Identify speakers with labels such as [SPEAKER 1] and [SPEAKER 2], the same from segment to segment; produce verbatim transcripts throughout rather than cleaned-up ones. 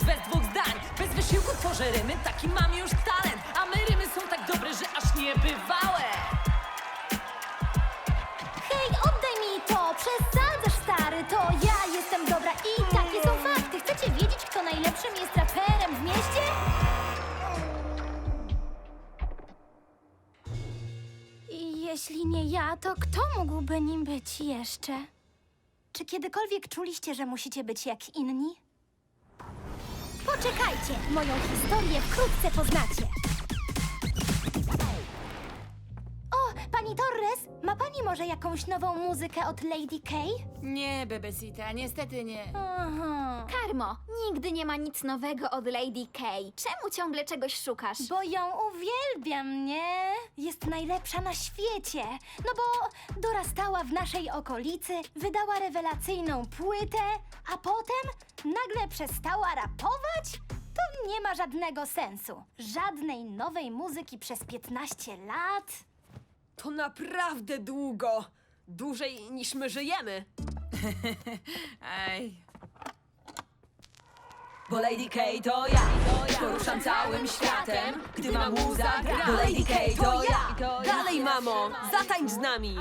[SPEAKER 1] bez dwóch zdań. Bez wysiłku tworzę rymy, taki mam już talent. A my rymy są tak dobre, że aż niebywałe.
[SPEAKER 2] Hej, oddaj mi to! Przesadzasz, stary! To ja jestem dobra i takie są fakty. Chcecie wiedzieć, kto najlepszym jest raperem w mieście? I jeśli nie ja, to kto mógłby nim być jeszcze? Czy kiedykolwiek czuliście, że musicie być jak inni? Poczekajcie, moją historię wkrótce poznacie. O, pani Torres, ma pani może jakąś nową muzykę od Lady K?
[SPEAKER 3] Nie, Bebesita, niestety nie.
[SPEAKER 2] Aha.
[SPEAKER 4] Karmo, nigdy nie ma nic nowego od Lady K. Czemu ciągle czegoś szukasz?
[SPEAKER 2] Bo ją uwielbiam, nie? Jest najlepsza na świecie. No bo dorastała w naszej okolicy, wydała rewelacyjną płytę, a potem nagle przestała rapować? To nie ma żadnego sensu. Żadnej nowej muzyki przez piętnaście lat.
[SPEAKER 1] To naprawdę długo. Dłużej niż my żyjemy.
[SPEAKER 3] Aj.
[SPEAKER 1] Bo Lady K to ja, poruszam całym światem. Gdy ma muza gra, bo Lady K to ja. Dalej, mamo, zatańcz z nami.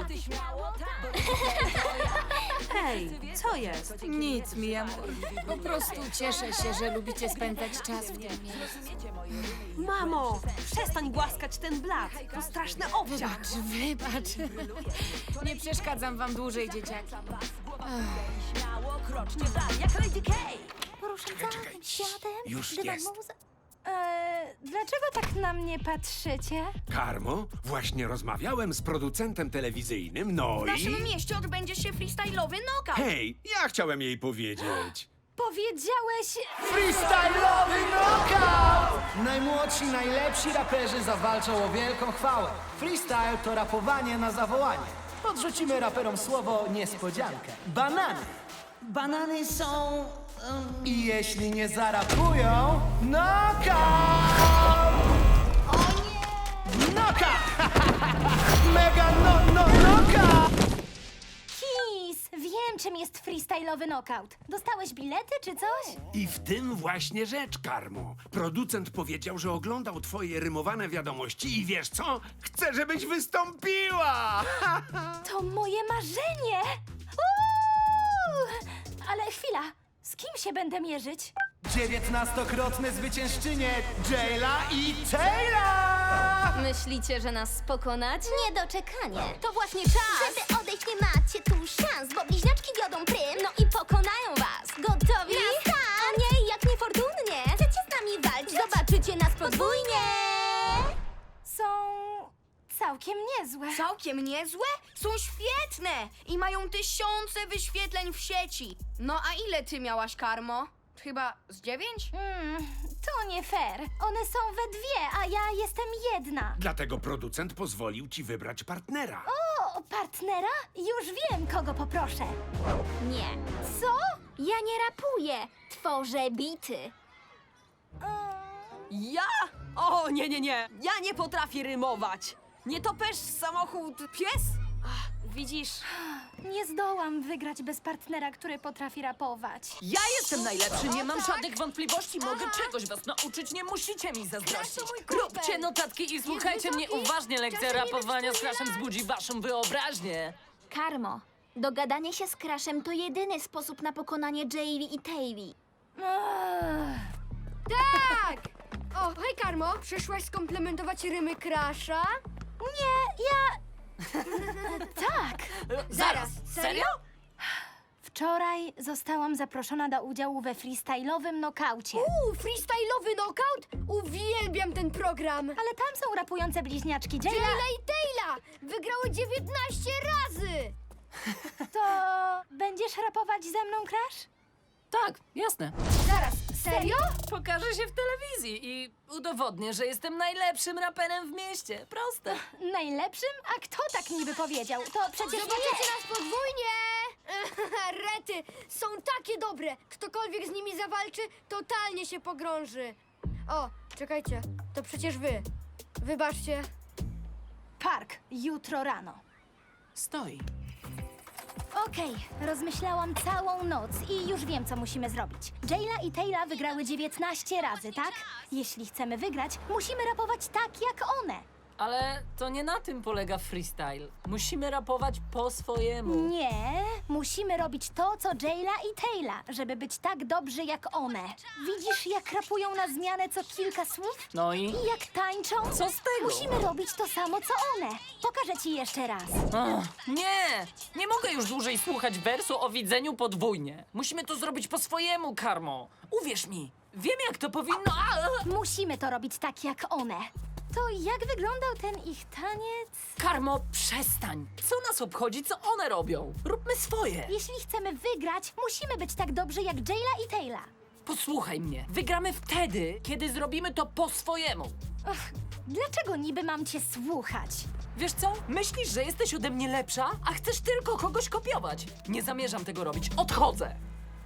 [SPEAKER 1] Hej, co jest?
[SPEAKER 3] Nic, mi amor. Po prostu cieszę się, że lubicie spędzać czas w tym miejscu.
[SPEAKER 1] Mamo, przestań głaskać ten blat. To straszny obciach.
[SPEAKER 3] Wybacz, wybacz. Nie przeszkadzam wam dłużej, dzieciaki.
[SPEAKER 1] Śmiało kroczcie w dalej, jak Lady K.
[SPEAKER 2] Poruszam całym światem.
[SPEAKER 5] Już
[SPEAKER 2] gdy ma
[SPEAKER 5] jest.
[SPEAKER 2] muza- Eee, dlaczego tak na mnie patrzycie?
[SPEAKER 5] Karmo, właśnie rozmawiałem z producentem telewizyjnym, no
[SPEAKER 6] W naszym
[SPEAKER 5] i...
[SPEAKER 6] mieście odbędzie się freestyle'owy knockout.
[SPEAKER 5] Hej, ja chciałem jej powiedzieć.
[SPEAKER 2] Powiedziałeś...
[SPEAKER 7] Freestyle'owy knockout! Najmłodsi, najlepsi raperzy zawalczą o wielką chwałę. Freestyle to rapowanie na zawołanie. Podrzucimy raperom słowo niespodziankę. Banany.
[SPEAKER 6] Banany są...
[SPEAKER 7] I jeśli nie zarapują, knockout!
[SPEAKER 2] O nie!
[SPEAKER 7] Knockout! Mega no, no, knockout!
[SPEAKER 2] Kis! Wiem, czym jest freestyle'owy knockout. Dostałeś bilety czy coś?
[SPEAKER 5] I w tym właśnie rzecz, Karmo. Producent powiedział, że oglądał twoje rymowane wiadomości i wiesz co? Chce, żebyś wystąpiła!
[SPEAKER 2] To moje marzenie! Uuu! Ale chwila, z kim się będę mierzyć?
[SPEAKER 7] dziewiętnastokrotne zwyciężczynie Jayla i Taylor!
[SPEAKER 4] Myślicie, że nas pokonać?
[SPEAKER 2] Niedoczekanie.
[SPEAKER 4] To właśnie czas!
[SPEAKER 2] Żeby odejść, nie macie tu szans, bo bliźniaczki wiodą prym.
[SPEAKER 4] No i pokonają was!
[SPEAKER 2] Gotowi?
[SPEAKER 4] Na start!
[SPEAKER 2] A nie, jak niefortunnie. Chcecie z nami walczyć? Zobaczycie nas podwójnie! Są całkiem niezłe.
[SPEAKER 6] Całkiem niezłe? Są świetne i mają tysiące wyświetleń w sieci. No a ile ty miałaś, Karmo? Chyba z dziewięć?
[SPEAKER 2] Mm, to nie fair. One są we dwie, a ja jestem jedna.
[SPEAKER 5] Dlatego producent pozwolił ci wybrać partnera.
[SPEAKER 2] O, partnera? Już wiem, kogo poproszę.
[SPEAKER 4] Nie.
[SPEAKER 2] Co?
[SPEAKER 4] Ja nie rapuję, tworzę bity.
[SPEAKER 1] Ja? O, nie, nie, nie. Ja nie potrafię rymować. Nie topesz samochód pies? Ach, widzisz,
[SPEAKER 2] Nie zdołam wygrać bez partnera, który potrafi rapować.
[SPEAKER 1] ja jestem najlepszy, nie mam żadnych wątpliwości. Mogę czegoś was nauczyć, nie musicie mi zazdrościć. Róbcie notatki i słuchajcie mnie uważnie. Lekcja rapowania z Crashem wzbudzi waszą wyobraźnię.
[SPEAKER 4] Karmo, dogadanie się z Crashem to jedyny sposób na pokonanie Jayli i Tayli.
[SPEAKER 2] Ugh.
[SPEAKER 8] Tak! O, hej Karmo, przyszłaś skomplementować rymy Crasha?
[SPEAKER 2] Nie, ja... tak.
[SPEAKER 1] Zaraz, serio?
[SPEAKER 2] Wczoraj zostałam zaproszona do udziału we freestyle'owym nokaucie.
[SPEAKER 8] Uuu, freestyle'owy knockout? Uwielbiam ten program!
[SPEAKER 2] Ale tam są rapujące bliźniaczki Jayla.
[SPEAKER 8] Jayla i Tayla wygrały dziewiętnaście razy!
[SPEAKER 2] To będziesz rapować ze mną, Crash?
[SPEAKER 1] Tak, jasne.
[SPEAKER 8] Zaraz, serio?
[SPEAKER 1] Pokażę się w telewizji i udowodnię, że jestem najlepszym raperem w mieście. Proste.
[SPEAKER 2] Najlepszym? A kto tak niby powiedział? To przecież nie...
[SPEAKER 8] Zobaczycie nas podwójnie! Rety, są takie dobre! Ktokolwiek z nimi zawalczy, totalnie się pogrąży. O, czekajcie, to przecież wy. Wybaczcie.
[SPEAKER 2] Park, jutro rano.
[SPEAKER 3] Stoi.
[SPEAKER 2] Okej, rozmyślałam całą noc i już wiem, co musimy zrobić. Jayla i Tayla wygrały dziewiętnaście razy, tak? Jeśli chcemy wygrać, musimy rapować tak, jak one.
[SPEAKER 1] Ale to nie na tym polega freestyle. Musimy rapować po swojemu.
[SPEAKER 2] Nie, musimy robić to, co Jayla i Tayla, żeby być tak dobrzy jak one. Widzisz, jak rapują na zmianę co kilka słów?
[SPEAKER 1] No i?
[SPEAKER 2] I jak tańczą?
[SPEAKER 1] Co z tego?
[SPEAKER 2] Musimy robić to samo, co one. Pokażę ci jeszcze raz.
[SPEAKER 1] Ach, nie! Nie mogę już dłużej słuchać wersu o widzeniu podwójnie. Musimy to zrobić po swojemu, Karmo. Uwierz mi, wiem jak to powinno... A!
[SPEAKER 2] Musimy to robić tak, jak one. To jak wyglądał ten ich taniec?
[SPEAKER 1] Karmo, przestań! Co nas obchodzi, co one robią? Róbmy swoje!
[SPEAKER 2] Jeśli chcemy wygrać, musimy być tak dobrzy jak Jayla i Tayla.
[SPEAKER 1] Posłuchaj mnie, wygramy wtedy, kiedy zrobimy to po swojemu.
[SPEAKER 2] Ach, dlaczego niby mam cię słuchać?
[SPEAKER 1] Wiesz co? Myślisz, że jesteś ode mnie lepsza, a chcesz tylko kogoś kopiować. Nie zamierzam tego robić. Odchodzę.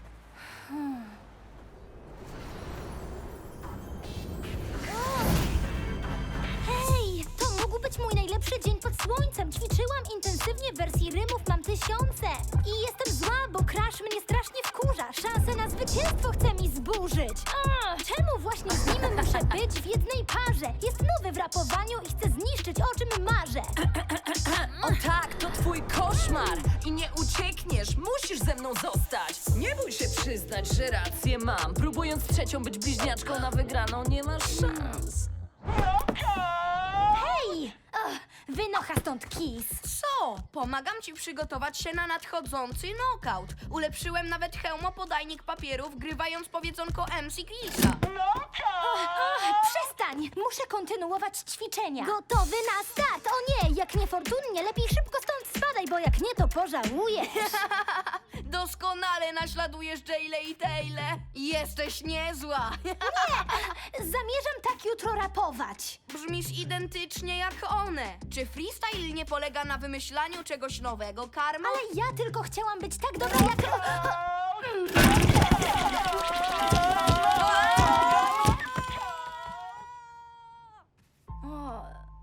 [SPEAKER 2] Hej, to mógł być mój najlepszy dzień pod słońcem. Ćwiczyłam intensywnie, wersji rymów mam tysiące. I jestem zła, bo Crash mnie strasznie wkurza. Szansę na zwycięstwo chce mi zburzyć. A, czemu właśnie z nim muszę być w jednej parze? Jest nowy w rapowaniu i chce zniszczyć, o czym marzę.
[SPEAKER 1] O tak, to twój koszmar i nie uciekniesz, musisz ze mną zostać. Nie bój się przyznać, że rację mam. Próbując trzecią być bliźniaczką na wygraną, nie masz szans.
[SPEAKER 2] Hej! Ach, wynocha stąd Kiss.
[SPEAKER 6] Co? Pomagam ci przygotować się na nadchodzący knockout. Ulepszyłem nawet hełmopodajnik papieru, wgrywając powiedzonko M C Chrisa.
[SPEAKER 2] Ach, przestań! Muszę kontynuować ćwiczenia. Gotowy na start! O nie, jak niefortunnie, lepiej szybko stąd spadaj, bo jak nie, to pożałujesz.
[SPEAKER 6] Doskonale naśladujesz Jayle i Taylę. Jesteś niezła.
[SPEAKER 2] Zamierzam tak jutro rapować.
[SPEAKER 6] Brzmisz identycznie jak one. Czy freestyle nie polega na wymyślaniu czegoś nowego, Karma?
[SPEAKER 2] Ale ja tylko chciałam być tak dobra jak... O.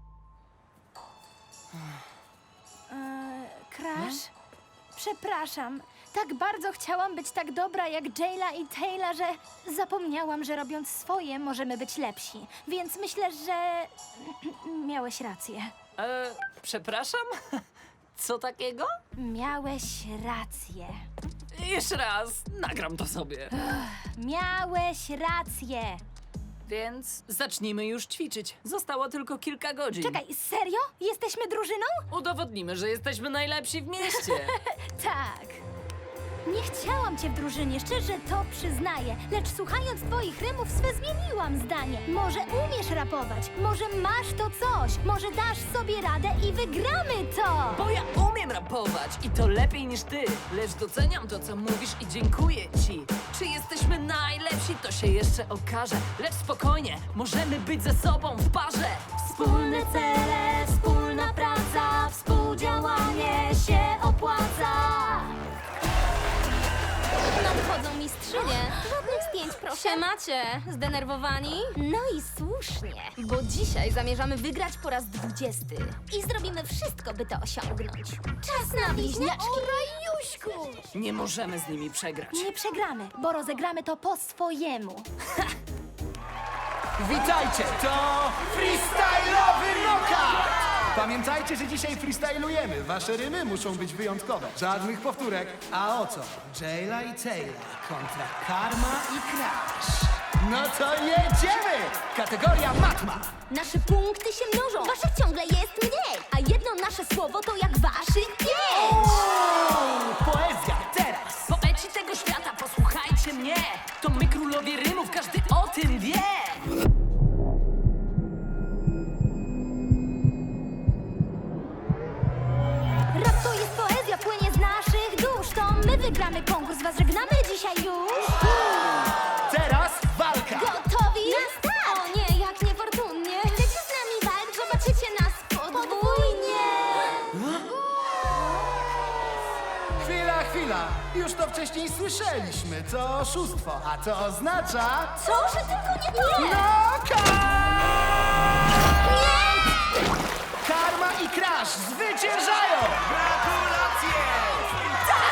[SPEAKER 2] E, Crash? Przepraszam. Tak bardzo chciałam być tak dobra jak Jayla i Tayla, że zapomniałam, że robiąc swoje możemy być lepsi. Więc myślę, że miałeś rację.
[SPEAKER 1] E, przepraszam? Co takiego?
[SPEAKER 2] Miałeś rację.
[SPEAKER 1] Jeszcze raz, nagram to sobie.
[SPEAKER 2] Miałeś rację.
[SPEAKER 1] Więc zacznijmy już ćwiczyć. Zostało tylko kilka godzin.
[SPEAKER 2] Czekaj, serio? Jesteśmy drużyną?
[SPEAKER 1] Udowodnimy, że jesteśmy najlepsi w mieście.
[SPEAKER 2] Tak. Nie chciałam cię w drużynie, szczerze to przyznaję. Lecz słuchając twoich rymów swe zmieniłam zdanie. Może umiesz rapować, może masz to coś, może dasz sobie radę i wygramy to!
[SPEAKER 1] Bo ja umiem rapować i to lepiej niż ty. Lecz doceniam to, co mówisz i dziękuję ci. Czy jesteśmy najlepsi, to się jeszcze okaże. Lecz spokojnie, możemy być ze sobą w parze.
[SPEAKER 2] Wspólne cele, wspólna praca, współdziałanie się opłaca.
[SPEAKER 9] Nadchodzą mistrzynie. Żadnych zdjęć, proszę. Siemacie, zdenerwowani?
[SPEAKER 2] No i słusznie.
[SPEAKER 9] Bo dzisiaj zamierzamy wygrać po raz dwudziesty.
[SPEAKER 2] I zrobimy wszystko, by to osiągnąć. Czas na bliźniaczki.
[SPEAKER 8] Rajuśku!
[SPEAKER 1] Nie możemy z nimi przegrać.
[SPEAKER 2] Nie przegramy, bo rozegramy to po swojemu.
[SPEAKER 7] Witajcie, to freestyle'owy knockout! Pamiętajcie, że dzisiaj freestylujemy. Wasze rymy muszą być wyjątkowe. Żadnych powtórek. A o co? Jayla i Tayla kontra Karma i Crash. No to jedziemy! Kategoria matma.
[SPEAKER 9] Nasze punkty się mnożą, waszych ciągle jest mniej. A jedno nasze słowo to jak waszych pięć.
[SPEAKER 7] Poezja teraz.
[SPEAKER 1] Poeci tego świata, posłuchajcie mnie. To my królowie rymów, każdy o tym wie.
[SPEAKER 2] Rap to jest poezja, płynie z naszych dusz. To my wygramy konkurs, was żegnamy dzisiaj już.
[SPEAKER 7] Teraz walka.
[SPEAKER 2] Gotowi? Na start!
[SPEAKER 9] O nie, jak niefortunnie.
[SPEAKER 2] Chcecie z nami walczyć? Zobaczycie nas podwójnie.
[SPEAKER 7] Chwila, chwila. Już to wcześniej słyszeliśmy. To oszustwo. A to oznacza...
[SPEAKER 2] Co, że tylko nie to?
[SPEAKER 7] Knockout! Karma i Crash zwyciężają!
[SPEAKER 5] Gratulacje!
[SPEAKER 2] Tak!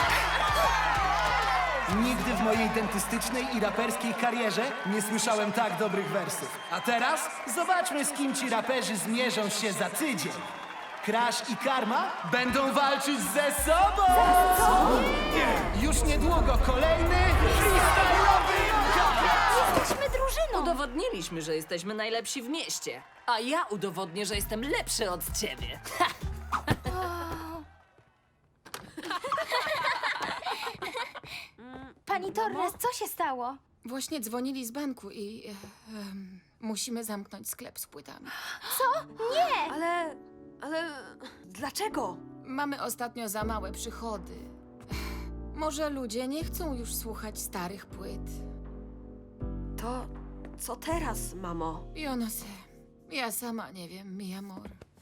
[SPEAKER 7] mojej dentystycznej i raperskiej karierze nie słyszałem tak dobrych wersów. A teraz zobaczmy, z kim ci raperzy zmierzą się za tydzień. Crash i Karma będą walczyć ze sobą! Już niedługo kolejny freestyle'owy knockout!
[SPEAKER 2] Jesteśmy drużyną!
[SPEAKER 1] Udowodniliśmy, że jesteśmy najlepsi w mieście. A ja udowodnię, że jestem lepszy od ciebie.
[SPEAKER 2] Pani Torres, co się stało?
[SPEAKER 3] Właśnie dzwonili z banku i... e, em, musimy zamknąć sklep z płytami.
[SPEAKER 10] Ale... ale... dlaczego?
[SPEAKER 3] Mamy ostatnio za małe przychody. Może ludzie nie chcą już słuchać starych płyt.
[SPEAKER 10] To... co teraz, mamo?
[SPEAKER 3] Yo no sé. Ja sama nie wiem, mi amor.